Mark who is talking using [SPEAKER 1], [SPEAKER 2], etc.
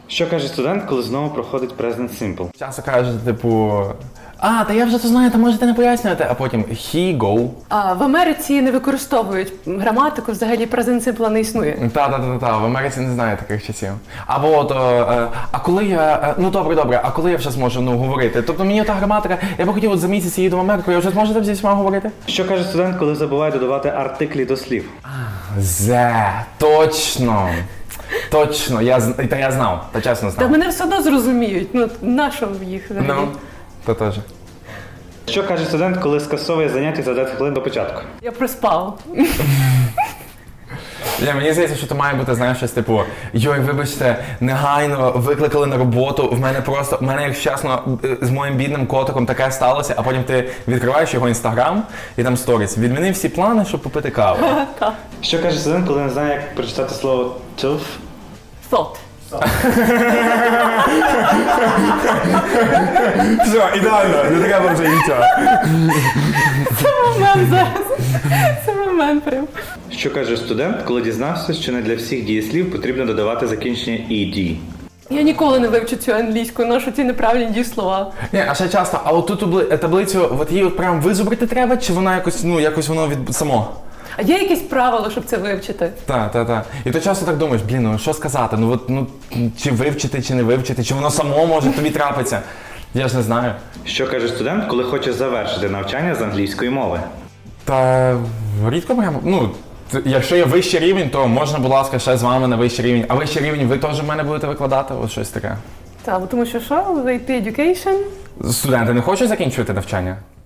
[SPEAKER 1] Що каже студент, коли знову проходить Present Simple?
[SPEAKER 2] Часто кажуть, типу, та я вже це знаю, та можете не пояснювати, а потім he, go.
[SPEAKER 3] А в Америці не використовують граматику, взагалі present simple не існує.
[SPEAKER 2] Та, в Америці не знаю таких часів. Або от, а коли я, добре, а коли я вже зможу, говорити? Тобто мені та граматика, я би хотів от за місяць їду в Америку, я вже зможу там зі всіма говорити?
[SPEAKER 1] Що каже студент, коли забуває додавати артиклі до слів?
[SPEAKER 2] Точно, я знав, та чесно
[SPEAKER 3] Та
[SPEAKER 2] знав.
[SPEAKER 3] мене все одно зрозуміють, на що їх взагалі?
[SPEAKER 2] То теж.
[SPEAKER 1] Що каже студент, коли скасовує заняття за 10 хвилин до початку?
[SPEAKER 3] Я проспав.
[SPEAKER 2] Мені здається, що то має бути, знаєш, щось типу, вибачте, негайно викликали на роботу, в мене, якщо чесно, з моїм бідним котиком таке сталося, а потім ти відкриваєш його інстаграм і там сторіс. Відмінив всі плани, щоб попити каву.
[SPEAKER 1] Що каже студент, коли не знає, як прочитати слово «tilf»?
[SPEAKER 3] Thought.
[SPEAKER 2] Все, ідеально, не треба вже нічого.
[SPEAKER 3] Це момент зараз. Це момент прям.
[SPEAKER 1] Що каже студент, коли дізнався, що не для всіх дієслів потрібно додавати закінчення «ed»?
[SPEAKER 3] Я ніколи не вивчу цю англійську, ношу ці неправильні дієслова.
[SPEAKER 2] А ще часто, а от ту таблицю, от її от прям визубрити треба, чи вона якось воно само?
[SPEAKER 3] А є якісь правила, щоб це вивчити?
[SPEAKER 2] Так. І ти часто так думаєш, що сказати, чи вивчити, чи не вивчити, чи воно само може тобі трапиться. Я ж не знаю.
[SPEAKER 1] Що каже студент, коли хоче завершити навчання з англійської мови?
[SPEAKER 2] Та рідко прямо, якщо є вищий рівень, то можна, будь ласка, ще з вами на вищий рівень. А вищий рівень ви теж в мене будете викладати, от щось таке.
[SPEAKER 3] Так, тому що в AP Education
[SPEAKER 2] Студенти не хочуть закінчувати навчання?